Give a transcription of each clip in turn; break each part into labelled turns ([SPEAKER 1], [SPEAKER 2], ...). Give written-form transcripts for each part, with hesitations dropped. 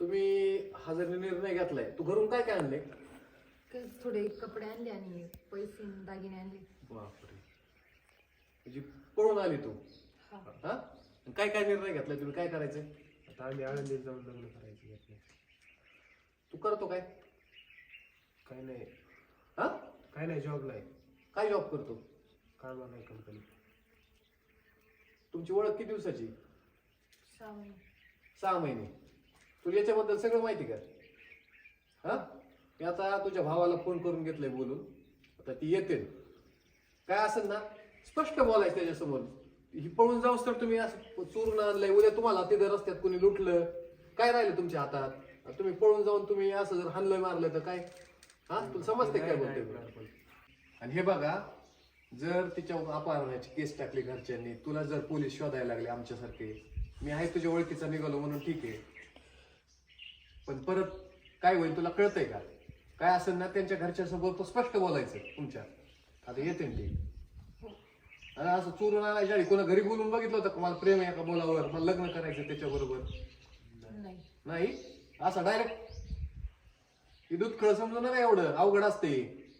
[SPEAKER 1] तुम्ही हा जर निर्णय घेतलाय, तू घरून काय काय आणले?
[SPEAKER 2] थोडे कपडे आणले आणि पैसे आणि दागिने आणले.
[SPEAKER 1] बापरे, म्हणजे पळून आली तू?
[SPEAKER 2] हा.
[SPEAKER 1] हा, काय काय निर्णय घेतलाय तुम्ही? काय करायचंय
[SPEAKER 3] आता आम्ही आळंदीत जाऊन लग्न करायचं घेतलं.
[SPEAKER 1] तू? करतो काय?
[SPEAKER 3] काय नाही,
[SPEAKER 1] हा,
[SPEAKER 3] काय नाही, जॉबला आहे,
[SPEAKER 1] काय जॉब करतो?
[SPEAKER 3] कामाला आहे कंपनी.
[SPEAKER 1] तुमची ओळख किती दिवसाची?
[SPEAKER 2] 6 महिने.
[SPEAKER 1] 6 महिने. तुला याच्याबद्दल सगळं माहिती का? हा, मी आता तुझ्या भावाला फोन करून घेतलंय बोलून, आता ती येते. काय असेल ना स्पष्ट बोलायचं त्याच्यासमोर. ही पळून जाऊस तर तुम्ही असं चोरून आणलंय, उद्या तुम्हाला तिथे रस्त्यात कोणी लुटलं, काय राहिलं तुमच्या हातात? तुम्ही पळून जाऊन तुम्ही असं जर हाणलं मारलं तर काय? हा, तुला समजते काय बोलतोय? आणि हे बघा, जर तिच्या अपहरणाची केस टाकली घरच्यांनी, तुला जर पोलीस शोधायला लागले आमच्यासारखे, मी आहे तुझ्या ओळखीचा निघालो म्हणून ठीक आहे, पण परत काय होईल तुला कळतंय का? काय असेल ना त्यांच्या घरच्यासोबत स्पष्ट बोलायचं तुमच्या. आता येते ना ती. आणि असं चोरून आणायच्या आधी कोणा घरी बोलून बघितलं होतं का मला प्रेम आहे का बोलावर, मला लग्न करायचं त्याच्याबरोबर?
[SPEAKER 2] नाही.
[SPEAKER 1] नाही, असं डायरेक्ट ही दूध खळ समजून नाही, एवढं अवघड असते.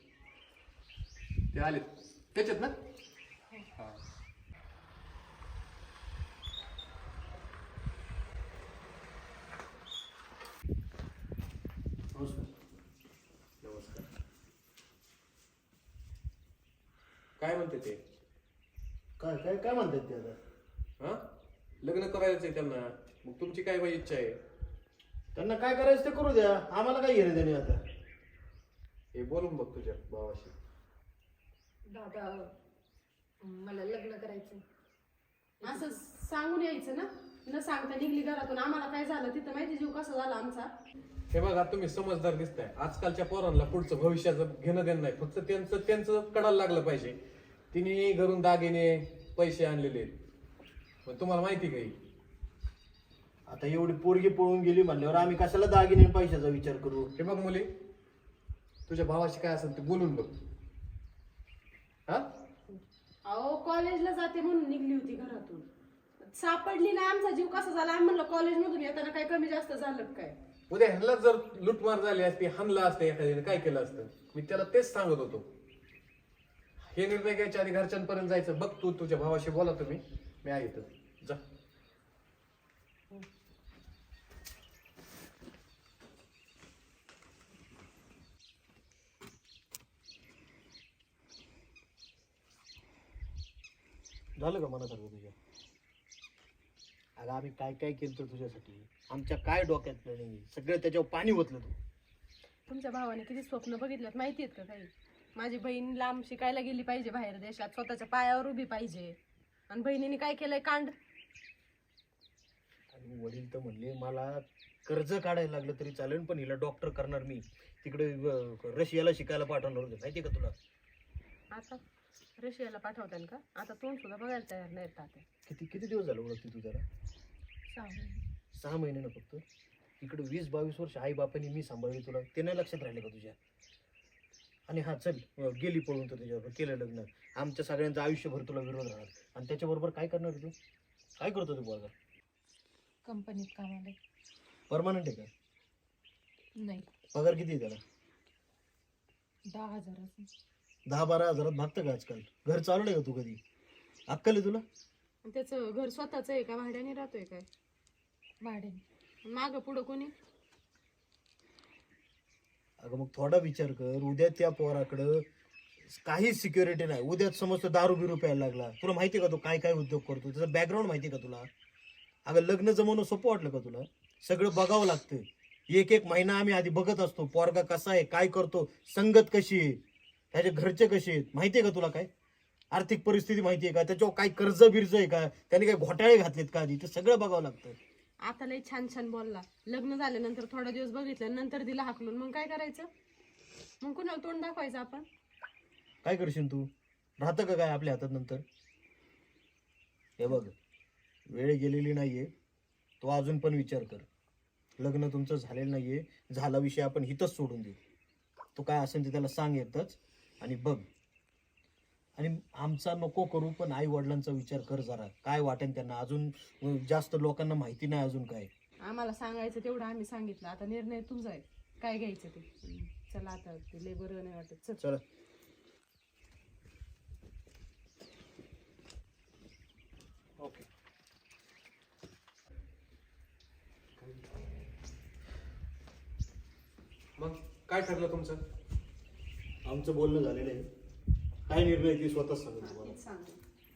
[SPEAKER 1] ते आले त्याच्यात ना. नमस्कार. काय म्हणते ते?
[SPEAKER 4] काय काय काय म्हणतात ते आता?
[SPEAKER 1] हा, लग्न करायचंय त्यांना, मग तुमची काय बाई इच्छा आहे?
[SPEAKER 4] त्यांना काय करायचं ते करू द्या, आम्हाला काय घेणे देणे आता.
[SPEAKER 1] हे बोलून बघ तुझ्या भावाशी.
[SPEAKER 2] दादा, मला लग्न करायचंय.
[SPEAKER 5] असं सांगून यायचं ना, न सांगता निघली घरातून. आम्हाला काय झालं तिथं माहिती, जीव कसा झाला आमचा.
[SPEAKER 1] हे बघा, तुम्ही समजदार दिसताय. आजकालच्या पोरांना पुढचं भविष्याचं घेणं देणं नाही, फक्त त्यांचं कडायला लागलं पाहिजे. तिने घरून दागिने पैसे आणलेले, पण तुम्हाला माहिती काही?
[SPEAKER 4] आता एवढी पोरगी पळून गेली म्हणल्यावर आम्ही कशाला दागिने आणि पैशाचा विचार करू?
[SPEAKER 1] हे बघ मुली, तुझ्या भावाशी काय असेल ते बोलून बघ. हा,
[SPEAKER 5] अहो कॉलेजला जाते म्हणून निघली होती घरातून, सापडली नाही. आमचा जीव कसा झाला, आम्ही म्हणलं कॉलेजमधून येताना काय कमी जास्त झालं काय?
[SPEAKER 1] उद्या ह्यांना जर लुटमार झाली असती, हाणलं असतं एखाद्याने, काय केलं असतं? मी त्याला तेच सांगत होतो. हे निर्णय घ्यायच्या आधी घरच्यांपर्यंत जायचं. बघ तू तुझ्या भावाशी बोला तुम्ही, मी आहे इथं. जा.
[SPEAKER 4] झालं का मनासारखं तुझ्या? अगं आम्ही काय काय केलं तुझ्यासाठी, आमच्या काय डोक्यात नाही, सगळं त्याच्यावर पाणी ओतलं तू.
[SPEAKER 5] तुमच्या भावाने किती स्वप्न बघितल्यात माहिती आहेत का काही? माझी बहीण लांब शिकायला गेली पाहिजे बाहेर देशात, स्वतःच्या पायावर उभी पाहिजे, आणि बहिणीने काय केलंय कांड.
[SPEAKER 4] आणि वडील तर म्हणले मला कर्ज काढायला लागलं तरी चालेल, पण हिला डॉक्टर करणार मी, तिकडे रशियाला शिकायला पाठवणार होते, माहिती का तुला?
[SPEAKER 5] आता रशियाला पाठवताल का? आता तोंड सुद्धा बघायला तयार नाही तात्या.
[SPEAKER 4] किती किती दिवस झाले ओळखते तू त्याला?
[SPEAKER 5] 6 महिने.
[SPEAKER 4] 6 महिने ना फक्त. इकडे 20-22 वर्ष आई बापाने मी सांभाळली तुला, ते नाही लक्षात राहिले का तुझ्या? आणि हा चल, गेली पळून तर त्याच्याबरोबर केलं लग्न, आमच्या सगळ्यांचं आयुष्यभर तुला विरोध राहणार. आणि त्याच्याबरोबर काय करणार तू? काय करतो तू बघा?
[SPEAKER 2] कंपनीत कामाला.
[SPEAKER 4] परमनंट आहे का?
[SPEAKER 2] नाही.
[SPEAKER 4] पगार किती आहे त्याला?
[SPEAKER 2] 10,000.
[SPEAKER 4] 10-12 हजारात भागतं का आजकाल? घर चालवलंय का तू कधी? अक्कल आहे तुला?
[SPEAKER 5] आणि त्याचं घर स्वतःच आहे का भाड्याने राहतोय काय?
[SPEAKER 2] भाड्याने.
[SPEAKER 5] मागं पुढं कोणी?
[SPEAKER 4] अगं मग थोडा विचार कर, उद्या त्या पोराकडं काहीच सिक्युरिटी नाही, उद्या समज दारू बिरू प्यायला लागला, तुला माहिती आहे का तो काय काय उद्योग करतो, त्याचा बॅकग्राऊंड माहिती आहे का तुला? अगं लग्न जमवणं सोपं वाटलं का तुला? सगळं बघावं लागतं. एक एक महिना आम्ही आधी बघत असतो, पोरगा कसा आहे, काय करतो, संगत कशी आहे, त्याचे घरचे कसे आहेत, माहिती आहे का तुला? काय आर्थिक परिस्थिती माहिती आहे का, त्याच्यावर काय कर्ज बिर्ज आहे का, त्याने काय घोटाळे घातलेत का आधी, ते सगळं बघावं लागतं.
[SPEAKER 5] आता लय छान छान बोलला, लग्न झाल्यानंतर थोडा दिवस बघितलं, नंतर दिला हाकलून, मग काय करायचं? मग कुणाला तोंड दाखवायचं आपण?
[SPEAKER 4] काय करशील तू? राहतं का काय आपल्या हातात नंतर? हे बघ, वेळ गेलेली नाहीये, तो अजून पण विचार कर. लग्न तुमचं झालेलं नाहीये, झाला विषय आपण हिथंच सोडून दे. तो काय असेल ते त्याला सांग येतच आणि बघ. आणि आमचा नको करू, पण आई वडिलांचा विचार कर जरा, काय वाटेल त्यांना. अजून जास्त लोकांना माहिती नाही अजून काय.
[SPEAKER 5] आम्हाला सांगायचं तेवढं आम्ही सांगितलं, आता निर्णय तुमचा आहे काय घ्यायचं ते. चला आता ते लय बरं नाही वाटत, चल.
[SPEAKER 4] चला.
[SPEAKER 1] ओके. मग काय ठरलं तुमचं?
[SPEAKER 4] आमचं बोलणं झालेलं आहे. काय निर्णय ती स्वतःच सांगेल तुम्हाला.
[SPEAKER 2] तेच सांग.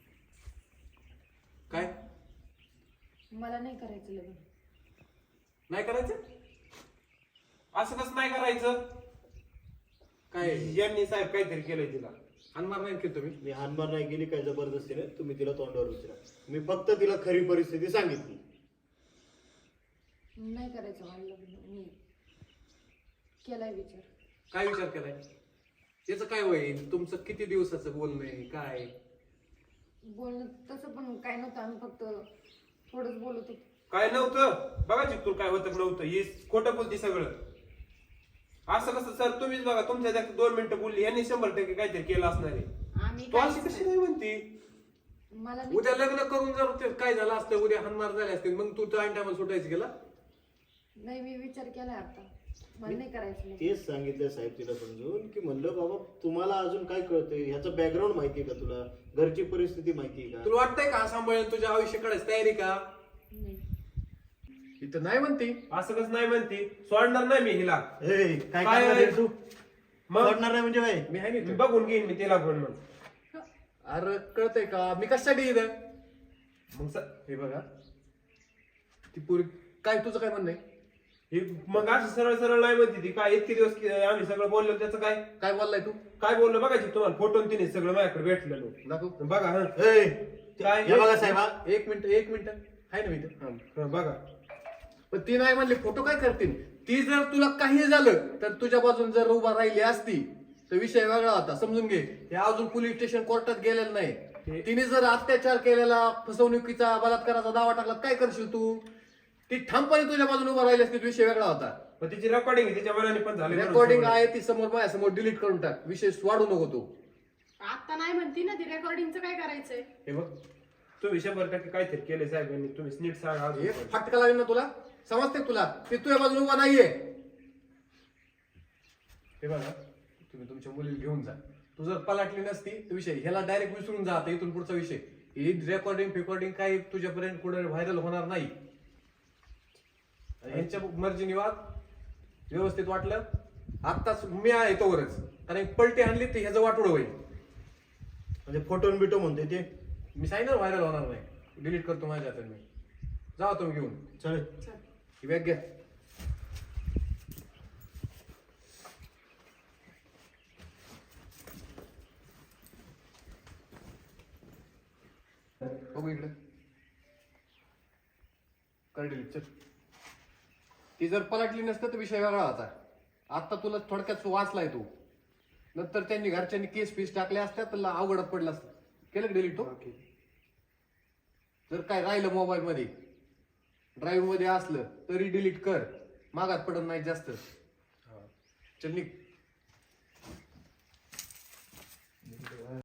[SPEAKER 1] काय
[SPEAKER 2] मला नाही करायचं लग्न.
[SPEAKER 1] नाही करायचं?
[SPEAKER 3] असं कसं नाही करायचं?
[SPEAKER 1] काय
[SPEAKER 3] यांनी साहेब काहीतरी केलंय तिला.
[SPEAKER 1] हानमार नाही केलं तुम्ही?
[SPEAKER 4] मी हानमार नाही केली काय जबरदस्तीने. तुम्ही तिला तोंडावर विचारा. मी फक्त तिला खरी परिस्थिती सांगितली.
[SPEAKER 2] नाही करायचं मला लग्न. मी केलाय विचार.
[SPEAKER 1] काय विचार केलाय? त्याचं काय होईल? तुमचं किती दिवसाचं बोलणं आहे काय?
[SPEAKER 2] बोलणं तसं पण काय नव्हतं, आम्ही फक्त थोडंच बोलत होतो.
[SPEAKER 3] काय नव्हतं बघायची तुला काय होतं नव्हतं. हे खोटं बोलती सगळं. असं कसं सर तुम्हीच बघा, तुमच्या जास्त 2 मिनिटं बोलली, यांनी 100% काहीतरी केलं असणार आहे.
[SPEAKER 2] आम्ही
[SPEAKER 3] तू अशी कशी नाही म्हणती?
[SPEAKER 2] मला नाही-
[SPEAKER 1] उद्या लग्न करून जर ते काय झालं असतं, उद्या हानमार झाले असते, मग तू टाइम टायमाला सुटायचं गेला?
[SPEAKER 2] नाही, मी विचार केलाय आता. मला नाही करायचं लग्न.
[SPEAKER 4] तेच सांगितलं साहेब तिला समजून की म्हणलं बाबा तुम्हाला अजून काय कळतंय, ह्याचं बॅकग्राऊंड माहितीये का तुला, घरची परिस्थिती माहितीये का.
[SPEAKER 1] तुला वाटतंय का सांभाळून तुझ्या आयुष्य काढायची तयारी का?
[SPEAKER 2] नाही.
[SPEAKER 1] इथं नाही म्हणते.
[SPEAKER 3] असं कसं नाही म्हणती? सोडणार नाही मी हिला.
[SPEAKER 4] ए, काय
[SPEAKER 3] काय
[SPEAKER 4] करणार आहे तू?
[SPEAKER 3] मग
[SPEAKER 4] सोडणार नाही म्हणजे काय?
[SPEAKER 1] मी आहे
[SPEAKER 3] मी
[SPEAKER 1] नाही.
[SPEAKER 3] बघून घेईन मी तिला पण मग.
[SPEAKER 1] अरे कळतंय का मी कशासाठी इथं?
[SPEAKER 3] मग
[SPEAKER 1] हे बघा, ती पुरी काय तुझं काय म्हणणं आहे?
[SPEAKER 3] हे मग असं सरळ सरळ नाही म्हणते ती. काय इतके दिवस आम्ही सगळं बोललो त्याचं काय
[SPEAKER 1] काय बोललाय तू?
[SPEAKER 3] काय बोललो बघायची तुम्हाला फोटो तिने सगळं माझ्याकडे भेटलेलो.
[SPEAKER 1] दाखव.
[SPEAKER 3] बघा हा
[SPEAKER 4] ए,
[SPEAKER 3] काय
[SPEAKER 4] हे बघा साहेब हा.
[SPEAKER 1] एक मिनिट आहे ना मी इथं?
[SPEAKER 3] हा, बघा
[SPEAKER 1] पण ती नाही म्हणली फोटो काय करतील. ती जर तुला काही झालं तर तुझ्या बाजून जर उभा राहिली असती तर विषय वेगळा होता. समजून घे. हे अजून पोलीस स्टेशन कोर्टात गेलेलं नाही. तिने जर अत्याचार केलेला, फसवणुकीचा, बलात्काराचा दावा टाकला, काय करशील तू? ती ठामपणे तुझ्या बाजून उभा राहिली असती, विषय वेगळा होता.
[SPEAKER 3] पण तिची रेकॉर्डिंग तिच्या मनाने पण झाली.
[SPEAKER 1] रेकॉर्डिंग आहे ती समोर, माझ्यासमोर डिलीट करून टाक. विषय वाढू नको तू.
[SPEAKER 5] आता नाही म्हणती ना ती, रेकॉर्डिंगचं काय करायचंय?
[SPEAKER 3] हे बघ तुम्ही 100% काहीतरी केले साहेबांनी. तुम्ही नीट सांगा
[SPEAKER 1] हे
[SPEAKER 3] अजून.
[SPEAKER 1] फटका लागेल ना तुला? समजते तुला? ती तुझ्या बाजून उभा नाहीये. हे बघा, तुम्ही तुमच्या मुलीला घेऊन जा. तू जर पलाटली नसती तर विषय ह्याला डायरेक्ट विसरून जा. आता इथून पुढचा विषय ही रेकॉर्डिंग काही तुझ्यापर्यंत कुठे व्हायरल होणार नाही. ह्यांच्या मर्जीने वाग. व्यवस्थित वाटलं आत्ताच मी आहे तोवरच, कारण पलटी आणली तर ह्याचं वाटोळ होईल.
[SPEAKER 4] म्हणजे फोटो बिटो म्हणते ते.
[SPEAKER 1] मी सांगितलं व्हायरल होणार नाही. डिलीट करतो माझ्या हातात मी. जावा तुम्ही घेऊन.
[SPEAKER 4] चालेल.
[SPEAKER 1] ही बॅग घ्या. बघू इकडे. कर डिलीट. चल. ती जर पलटली नसतं तर विषय वेगळा होता. आता तुला थोडक्यात वाचलाय तू. नंतर त्यांनी घरच्यांनी केस फीस टाकल्या असत्या तर अवघडात पडलं असतं. केलं डिलीट तो? जर काय राहिलं मोबाईल मध्ये, ड्राईव्ह मध्ये असलं तरी डिलीट कर. मागात पडत नाही जास्त. चल निघ.